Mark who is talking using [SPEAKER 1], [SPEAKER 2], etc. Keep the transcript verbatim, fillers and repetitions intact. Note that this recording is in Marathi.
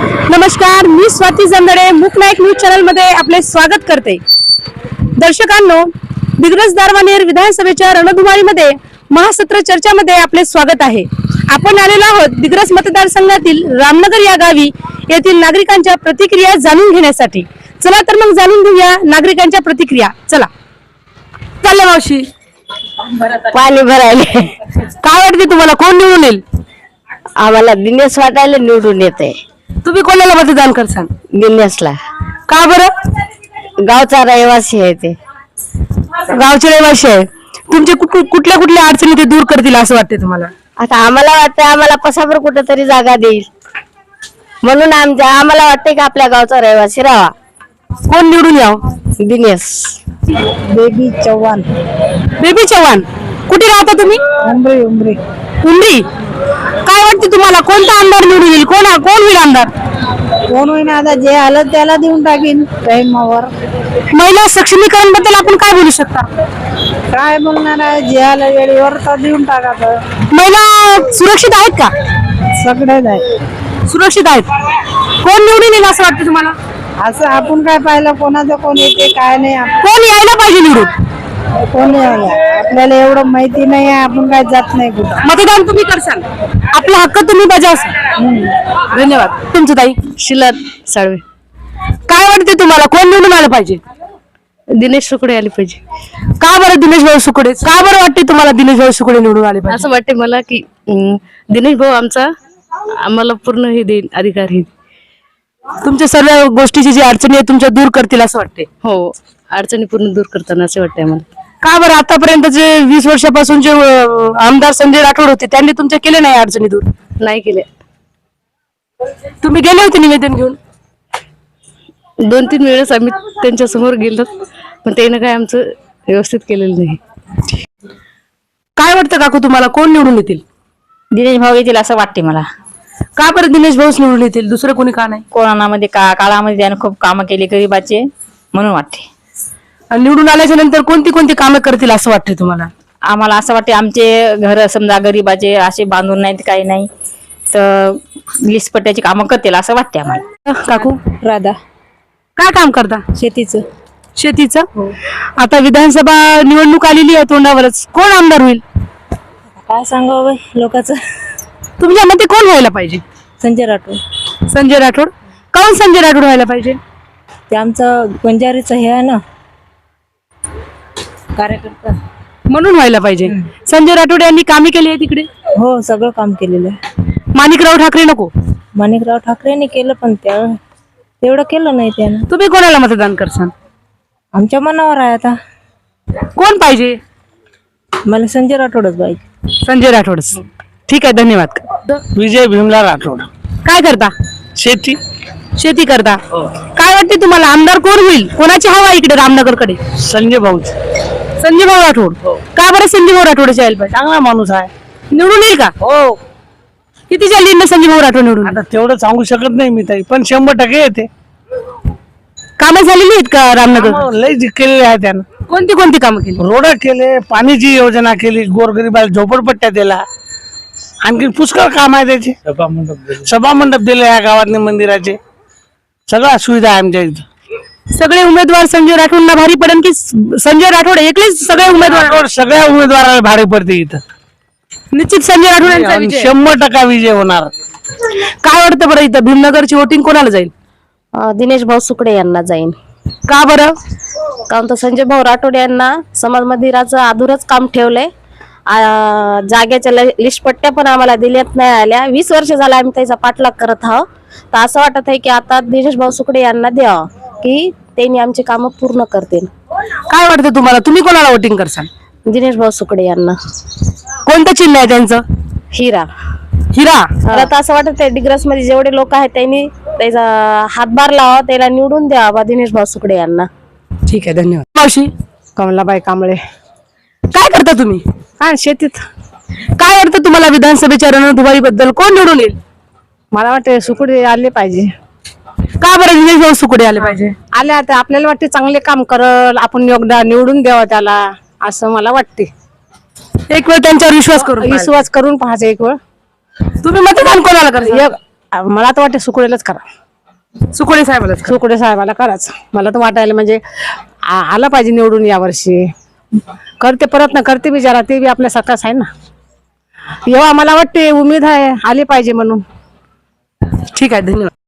[SPEAKER 1] नमस्कार, मी स्वाती जंदडे मुक नायक न्यूज चॅनल मध्ये आपले स्वागत करते। दर्शकांनो, दिग्रस दारवानेर विधानसभेच्या रणधुमाळीमध्ये महासत्र चर्चामध्ये आपले स्वागत आहे। आपण आलेलो आहोत दिग्रस मतदारसंघातील रामनगर या गावी येथील नागरिकांच्या प्रतिक्रिया जाणून घेण्यासाठी। चला तर मग जाणून घेऊया नागरिकांच्या प्रतिक्रिया। चला चालले मावशी,
[SPEAKER 2] पाणी भरायले
[SPEAKER 1] काय वाटते तुम्हाला, कोण निवडून येईल?
[SPEAKER 2] आम्हाला दिनेश वाटायला निवडून येते।
[SPEAKER 1] तुम्ही कोणाला मतदान करसान?
[SPEAKER 2] दिनेशला।
[SPEAKER 1] का बरं?
[SPEAKER 2] गावचा रहिवासी आहे ते,
[SPEAKER 1] गावचे रहिवासी आहे। तुमचे कुठल्या कुठल्या अडचणी ते दूर करतील असं वाटते तुम्हाला?
[SPEAKER 2] आता आम्हाला वाटतं आम्हाला पसाबर कुठेतरी जागा देईल, म्हणून आमच्या आम्हाला वाटते की आपल्या गावचा रहिवासी राहावा।
[SPEAKER 1] कोण निवडून याव?
[SPEAKER 2] दिनेश। बेबी चव्हाण।
[SPEAKER 1] बेबी चव्हाण, कुठे राहता तुम्ही?
[SPEAKER 2] उमरी उमरी
[SPEAKER 1] उमरी। काय वाटते तुम्हाला, कोणता आमदार निवडून येईल? कोण कोण होईल आमदार?
[SPEAKER 2] कोण होईना, आता जे आलं त्याला देऊन टाकीन टाइमावर।
[SPEAKER 1] महिला सक्षमीकरण बद्दल आपण काय बोलू शकता?
[SPEAKER 2] काय बोलणार आहे, जे आलं वेळेवर तर देऊन टाकायचं।
[SPEAKER 1] महिला सुरक्षित आहेत का?
[SPEAKER 2] सगळेच आहे
[SPEAKER 1] सुरक्षित आहेत। कोण निवडून येईल असं वाटतं तुम्हाला?
[SPEAKER 2] असं आपण काय पाहिलं, कोणाचं कोण येते काय नाही,
[SPEAKER 1] कोण यायला पाहिजे निवडून?
[SPEAKER 2] कोण आपल्याला एवढं माहिती नाही आहे, आपण काय जात नाही कुठं।
[SPEAKER 1] मतदान तुम्ही करसाल, आपला हक्क तुम्ही बजावसाल। धन्यवाद। तुमचं ताई?
[SPEAKER 2] शिलत साळवे।
[SPEAKER 1] काय वाटते तुम्हाला, कोण निवडून आलं पाहिजे?
[SPEAKER 2] दिनेश सुकडे आले पाहिजे।
[SPEAKER 1] का बरं दिनेश भाऊ सुकडे? का बरं वाटते तुम्हाला दिनेश भाऊ सुकडे निवडून आले पाहिजे?
[SPEAKER 2] असं वाटते मला की दिनेश भाऊ आमचा आम्हाला पूर्ण हे देईल, अधिकार हे।
[SPEAKER 1] तुमच्या सर्व गोष्टीची जी अडचणी आहे तुमच्या दूर करतील असं वाटते?
[SPEAKER 2] हो, अडचणी पूर्ण दूर करताना असे वाटते आम्हाला।
[SPEAKER 1] का बरं आतापर्यंत जे वीस वर्षापासून जे आमदार संजय राठोड होते त्यांनी तुमच्या केले नाही अडचणी दूर?
[SPEAKER 2] नाही केले।
[SPEAKER 1] तुम्ही गेले होते निवेदन घेऊन?
[SPEAKER 2] दोन तीन वेळेस आम्ही त्यांच्या समोर गेलो, पण त्याने काय आमचं व्यवस्थित केलेलं नाही।
[SPEAKER 1] काय वाटतं काकू तुम्हाला, कोण निवडून येतील?
[SPEAKER 2] दिनेश भाऊ येतील असं वाटते मला।
[SPEAKER 1] का बरं दिनेश भाऊच निवडून येतील, दुसरं कोणी का नाही?
[SPEAKER 2] कोरोनामध्ये का काळामध्ये त्याने खूप कामं केली गरीबाचे, म्हणून वाटते।
[SPEAKER 1] आणि निवडून आल्याच्या नंतर कोणती कोणती कामं करतील असं वाटते तुम्हाला?
[SPEAKER 2] आम्हाला असं वाटते आमचे घर समजा गरीबाचे असे बांधून नाहीत, काही नाही, तर लिस्ट पट्ट्याची कामं करतील असं वाटते आम्हाला।
[SPEAKER 1] काकू?
[SPEAKER 2] राधा।
[SPEAKER 1] काय काम करता?
[SPEAKER 2] शेतीचं।
[SPEAKER 1] शेतीचं? आता विधानसभा निवडणूक आलेली आहे तोंडावरच, कोण आमदार होईल?
[SPEAKER 2] काय सांगावं लोकांचं?
[SPEAKER 1] तुमच्या मते कोण व्हायला पाहिजे?
[SPEAKER 2] संजय राठोड।
[SPEAKER 1] संजय राठोड? काऊन संजय राठोड व्हायला पाहिजे?
[SPEAKER 2] ते आमचं बंजारीचं हे आहे ना, कार्यकर्ता,
[SPEAKER 1] म्हणून व्हायला पाहिजे। संजय राठोड यांनी कामे केली आहे तिकडे?
[SPEAKER 2] हो, सगळं काम केलेलं आहे।
[SPEAKER 1] माणिकराव ठाकरे नको?
[SPEAKER 2] माणिकराव ठाकरेंनी केलं, पण त्या तेवढं केलं नाही त्यानं।
[SPEAKER 1] तुम्ही कोणाला मतदान करसान?
[SPEAKER 2] आमच्या मनावर आहे आता,
[SPEAKER 1] कोण पाहिजे?
[SPEAKER 2] मला संजय राठोडच पाहिजे।
[SPEAKER 1] संजय राठोडच। ठीक आहे, धन्यवाद।
[SPEAKER 3] विजय भीमला राठोड।
[SPEAKER 1] काय करता?
[SPEAKER 3] शेती।
[SPEAKER 1] शेती करता? काय वाटते तुम्हाला, आमदार कोण होईल? कोणाची हवा इकडे रामनगर कडे?
[SPEAKER 3] संजय भाऊ।
[SPEAKER 1] संजय भाऊ राठोड। का बरं संजय भाऊ राठोडच यायला पाहिजे?
[SPEAKER 3] चांगला माणूस आहे,
[SPEAKER 1] निवडून येईल का?
[SPEAKER 3] हो।
[SPEAKER 1] किती चालली ना संजय भाऊ राठोड निवडून?
[SPEAKER 3] आता तेवढं सांगू शकत नाही मी ताई, पण शंभर टक्के येते।
[SPEAKER 1] कामं झालेली आहेत का रामनगर?
[SPEAKER 3] कामं लय जी केलेली आहे त्यानं।
[SPEAKER 1] कोणती कोणती कामं केली?
[SPEAKER 3] रोड केले, पाण्याची योजना केली, गोरगरीबाला झोपडपट्ट्या दिला, आणखी पुष्कळ काम आहे त्याचे। सभा मंडप दिले या गावातले, मंदिराचे, सगळ्या सुविधा आहे आमच्या इथं।
[SPEAKER 1] सगळे उमेदवार संजय राठोडला भारी पडेल की संजय राठोड एकलेच सगळे उमेदवार?
[SPEAKER 3] राठोड सगळ्या उमेदवाराला भाडे पडते इथं।
[SPEAKER 1] निश्चित संजय राठोड यांचा
[SPEAKER 3] आणि
[SPEAKER 1] विजय।
[SPEAKER 3] शंभर टक्का विजय होणार।
[SPEAKER 1] काय वाटतं बरं, इथं भीमनगरची वोटिंग कोणाला जाईल?
[SPEAKER 2] दिनेश भाऊ सुकडे यांना जाईन।
[SPEAKER 1] का बरं?
[SPEAKER 2] कारण तर संजय भाऊ राठोड यांना समाज मंदिराचं अधुरच काम ठेवलंय। जागेच्या लिस्ट पट्ट्या पण आम्हाला दिल्यात नाही आल्या, वीस वर्ष झाला आम्ही त्याचा पाठलाग करत आहोत। तर असं वाटत आहे की आता दिनेश भाऊ सुकडे यांना द्यावं, की त्यांनी आमची कामं पूर्ण करतील।
[SPEAKER 1] काय वाटतं तुम्हाला, तुम्ही कोणाला वोटिंग करसाल?
[SPEAKER 2] दिनेश भाऊ सुकडे यांना।
[SPEAKER 1] कोणतं चिन्ह आहे त्यांचं?
[SPEAKER 2] हिरा।
[SPEAKER 1] हिरा?
[SPEAKER 2] मला तर असं वाटत आहे डिग्रस मध्ये जेवढे लोक आहेत त्यांनी त्याचा हातभार लावा, त्याला निवडून द्यावा दिनेश भाऊ सुकडे यांना।
[SPEAKER 1] ठीक आहे, धन्यवाद। मावशी?
[SPEAKER 2] कमलाबाई कांबळे।
[SPEAKER 1] काय करता तुम्ही?
[SPEAKER 2] हा, शेतीत।
[SPEAKER 1] काय वाटतं तुम्हाला, विधानसभेच्या रणधुमाळी बद्दल कोण निवडून येईल?
[SPEAKER 2] मला वाटतं सुकडे आले पाहिजे।
[SPEAKER 1] का बरं दिनेश भाऊ सुकडे आले पाहिजे?
[SPEAKER 2] आले आता आपल्याला वाटते चांगले काम करल, आपण योगदान निवडून द्यावं त्याला, असं मला वाटते।
[SPEAKER 1] एक वेळ त्यांच्यावर विश्वास करून
[SPEAKER 2] विश्वास करून पाहायचा एक वेळ।
[SPEAKER 1] तुम्ही मतदान कोणाला करता?
[SPEAKER 4] आ, मला तर वाटते सुकुडेलाच करा.
[SPEAKER 1] सुकोडे साहेबाला
[SPEAKER 4] सुकुडे साहेबाला कराच. मला तर वाटायला म्हणजे आ- आला पाहिजे निवडून यावर्षी. करते प्रयत्न करते बिचारा, ते बी आपल्या सरकारच आहे ना. एव्हा मला वाटते उमेद आहे आले पाहिजे म्हणून.
[SPEAKER 1] ठीक आहे, धन्यवाद.